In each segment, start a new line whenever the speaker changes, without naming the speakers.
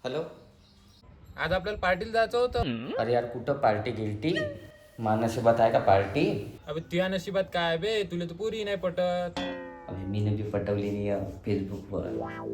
Hello.
आज आपल्याला पार्टीला जायचं होतं.
अरे यार कुठं पार्टी गिल्टी मानसिबात आहे का पार्टी?
अबे तुझ्या नशिबात काय बे, तुला तर पुरी नाही पटत.
अबे मी बी पटवली नाही फेसबुकवर.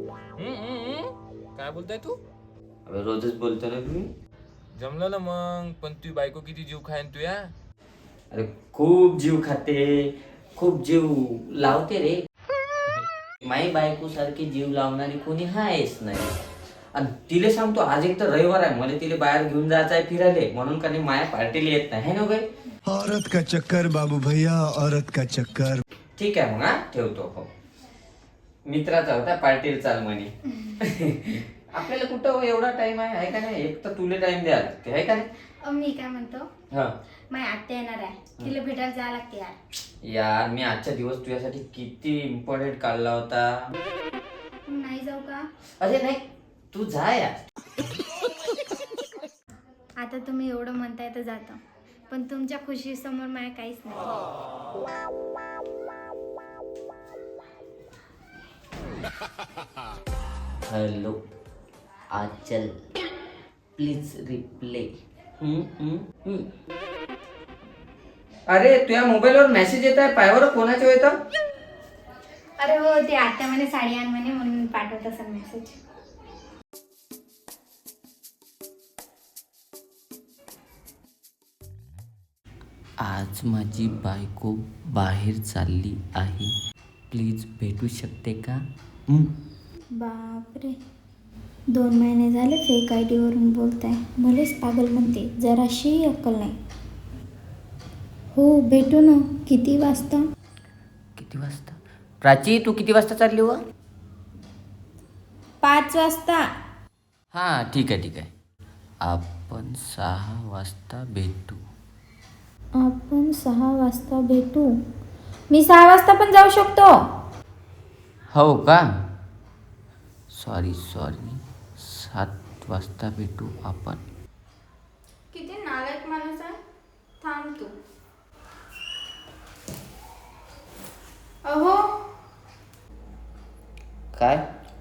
काय बोलताय तू?
अबे रोजच बोलतो ना तुम्ही.
जमलं ना मग, पण तुझी बायको किती जीव खायन तुया.
अरे खूप जीव खाते, खूप जीव लावते रे. माई बायको सारखी जीव लावणारी कोणी आहेच नाही. आणि तिले सांगतो आज एक तर रविवार आहे, मला तिला बाहेर घेऊन जायचं आहे फिरायला, म्हणून का नाही माया पार्टीला येत नाही है ना बाई.
औरत का चक्कर बाबू भैया, औरत का चक्कर.
ठीक आहे मग हा ठेवतो. हो मित्राचा होता पार्टीला चाल म्हणे. आपल्याला कुठं एवढा टाइम आहे का नाही? एक तर तुला टाइम द्यायला लागते आहे का नाही?
मी काय म्हणतो,
हा
माझी आत्या येणार आहे, तिला भेटायला जायला लागते यार.
यार मी आजचा दिवस तुझ्यासाठी किती इम्पॉर्टंट काढला होता.
नाही जाऊ का?
अरे नाही तू जा यार.
आता तुम्ही एवढं म्हणताय तर जातो, पण तुमच्या खुशी समोर माझ्या काहीच नाही.
Hello Aanchal please reply. अरे तुझ्या मोबाईलवर मेसेज येत आहे, पायावर कोणाच्या येतं?
अरे हो, ते आत्या म्हणे साडी आण म्हणे, म्हणून पाठवत असेल मेसेज.
आज माझी बायको बाहेर चालली आहे, प्लीज भेटू शकते का?
बापरे, 2 महिने झाले फेक ID वरून बोलताय, मलाच पागल म्हणते, जराशी अक्कल नाही. हो भेटू ना. किती वाजता?
किती वाजता? प्राची तू किती वाजता चालली व?
5 वाजता.
हां ठीक आहे. आपण 6 वाजता भेटू.
आपण 6 वाजता भेटू. मी 6 वाजता पण जाऊ शकतो.
हो का? सॉरी 7 वाजता भेटू आपण.
किती नालायक माणूस आहे. थांब तू. अहो
काय?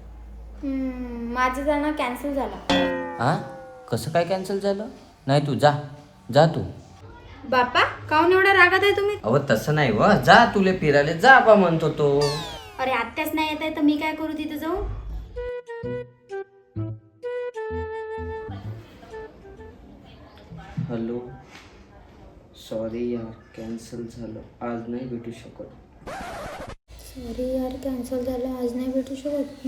माझं जाणं कॅन्सल झालं.
हां कसं काय कॅन्सल झालं? नाही तू जा तू.
बापा, काहून एवढा रागात आहे तुम्ही?
अहो तसं नाही व, जा तुले फिरायला जा बा म्हणतो तो.
अरे आत्याच नाही येत आहे तर मी काय करू तिथे जाऊ?
हॅलो सॉरी यार कॅन्सल झालं, आज नाही भेटू शकत.
सॉरी यार, कॅन्सल झालं, आज नाही भेटू शकत.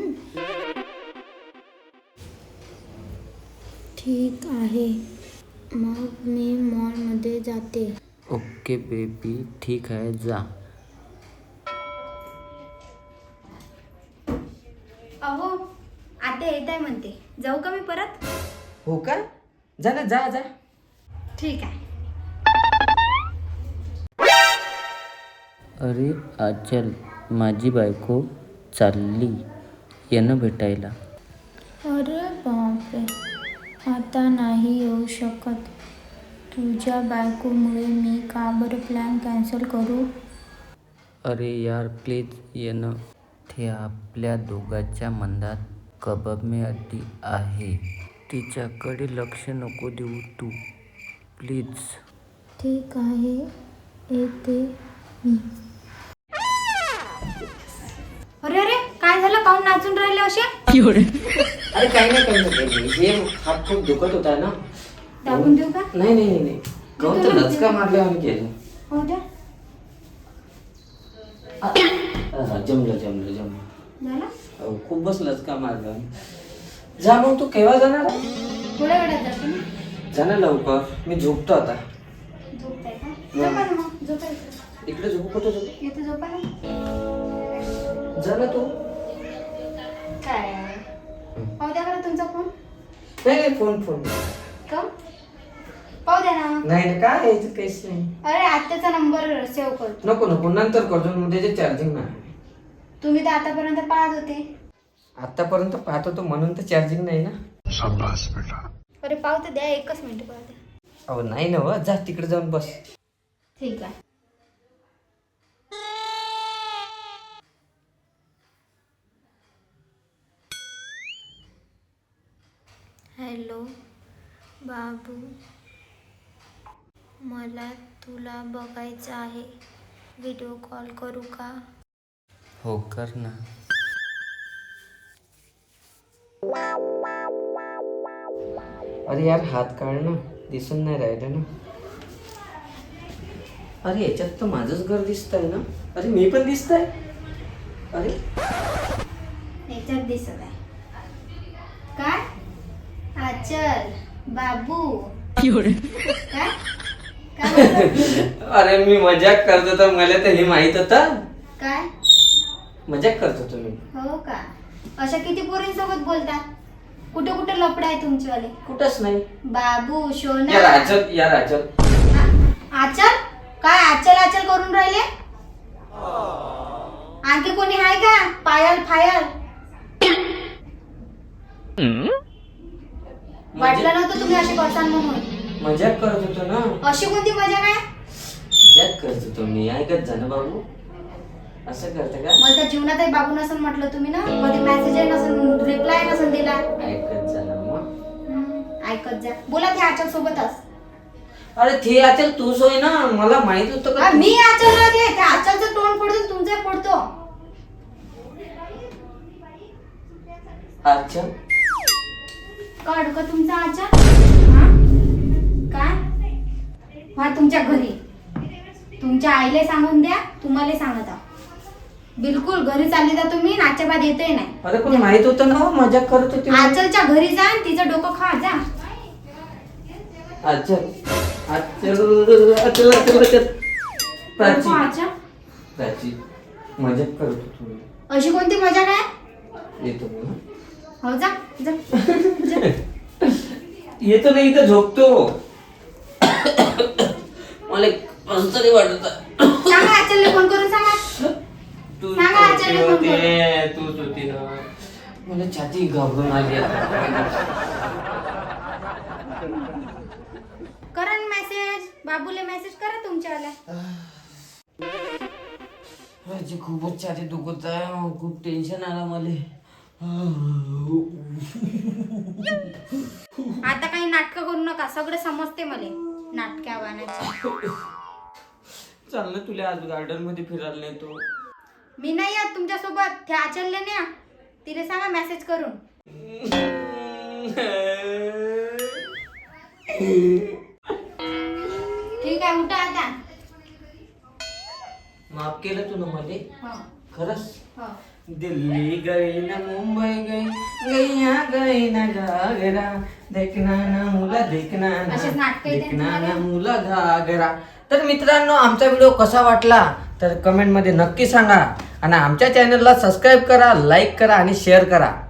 ठीक आहे, मग मी मॉलमध्ये जाते.
ओके बेबी ठीक आहे जा.
अहो आत्या येत आहे म्हणते, जाऊ का मी परत?
हो का? जा ना जा.
ठीक आहे.
अरे आचल माझी बायको चालली येणं भेटायला.
अरे बापरे, आता नाही येऊ शकत. तुझ्या बायकोमुळे मी का बरं प्लॅन कॅन्सल करू?
अरे यार प्लीज येणं. ते आपल्या दोघांच्या मनात कबाब अड्डी आहे, तिच्याकडे लक्ष नको देऊ तू प्लीज.
ठीक आहे, येते मी. अरे अरे, काय झालं? काहून नाचून राहिले असे?
अरे काही नाही, हे हात खूप दुखत होता ना.
दाबून देऊ का?
नाही काहून तर लचका मारल्या आम्ही केलं.
हो द्या.
जमलं
झालं?
खूपच लचका मारला. जा मग तू केव्हा जाणार?
थोड्या वेळात जाते मी.
जा ना लवकर, मी झोपतो आता.
झोपताय का? झोपा ना मग, झोपायचं.
इकडे झोपू कुठं झोपू?
येते झोपा ना.
जा ना तू.
काय? पाहू द्या बरं तुमचा फोन.
नाही फोन
का? पाहू द्या ना.
नाही काय यायचं काहीच नाही.
अरे आत्याचा नंबर सेव्ह करतो.
नको नंतर करतो, त्याचे चार्जिंग नाही.
तुम्ही तर आतापर्यंत पाहत होते.
आतापर्यंत पाहत होतो म्हणून तर चार्जिंग नाही ना.
शाबाश बेटा.
अरे पाहू तर द्या, 1 मिनिट पाहू द्या.
अहो नाही ना जा तिकडे जाऊन बस.
ठीक आहे. हॅलो बाबू, मला तुला बघायचं आहे. व्हिडिओ कॉल करू का?
हो कर ना. अरे यार हात काढ ना, दिसून नाही राहिलं ना. अरे याच्यात तर माझंच घर दिसतंय ना. अरे मी पण दिसतंय. अरे
याच्यात दिसत आहे काय? आचल बाबू काय काय
अरे मी मजाक करतो तर मला तर हे माहित होतं.
काय
मजाक करतो तुम्ही.
हो का? अशा किती पोरींसोबत बोलता? कुठे कुठे लफडे आहे तुमचेवाले?
कुठंच नाही.
बाबू
या
सोना
राजल या राजल.
आचल काय आचल आचल करून राहिले? आणखी कोणी आहे का? पायल फायल वाटलं नव्हतं तुम्ही असे करसान म्हणून.
मजाक करत होतो ना.
अशी कोणती मजा काय?
मजाक करत होतो मी. ऐकत जा ना बाबू. असं करते का?
मला तर जीवनातही बाबू नसन म्हटलं तुम्ही ना. कधी मेसेज नसन, रिप्लाय नसन दिला.
ऐकत जा ना मग.
ऐकत जा. बोला ते आचल सोबतच.
अरे ते अचल तूच होय ना. मला माहित होतं का?
मी आचल ते त्या आचलचं तोंड फोडतो तुमचं फोडतो.
अच्छा
काढ का तुमचा आचल? काय? हा तुमच्या घरी तुमच्या आईला सांगून द्या. तुम्हाला सांगत आहो. बिलकुल घरी चालली जा तुम्ही. नाच्या बाद येते नाही.
अरे पण माहित होतं ना. मजाक करत होती.
आचलच्या घरी जा आणि तिचं डोकं खा जा.
अचल अचल अचल अचल अचल. प्राची
आचल
प्राची मजाक करत होतो मी.
अशी कोणती मजा काय?
येतो मी.
हो जा जा जा.
येतो नाही इथं झोपतो. मला असं तरी वाटत.
सांगा आचलने फोन करून सांगा.
तू
सांगा आचलने फोन करून.
तूच होती ना. मला छाती घाबरून आली आता.
करा मेसेज. बाबूले मेसेज करा तुमच्यावाल्या.
माझी खूपच छाती दुखत आहे. खूप टेन्शन आलं मला.
आता काही नाटकं करू नका. सगळं समजते मला नाटक्या वाण्याची.
चाल ना तुला आज गार्डन मध्ये फिरायला नेतो.
मी नाही येत तुमच्या सोबत. त्या आचलले न्या. तिला सांगा मेसेज करून. ठीक आहे उठा आता.
माफ केलं तू ना मला.
हो
खरंच.
हो.
दिल्ली गई ना मुंबई गई गैया गई ना घागरा देखना ना मुला देखना ना
असेच नाटकं येतात
देखना
तुम्हाला?
ना मुला घागरा. तर मित्रांनो आमचा व्हिडिओ कसा वाटला तर कमेंट मध्ये नक्की सांगा आणि आमच्या चॅनलला सबस्क्राईब करा, लाईक करा आणि शेअर करा.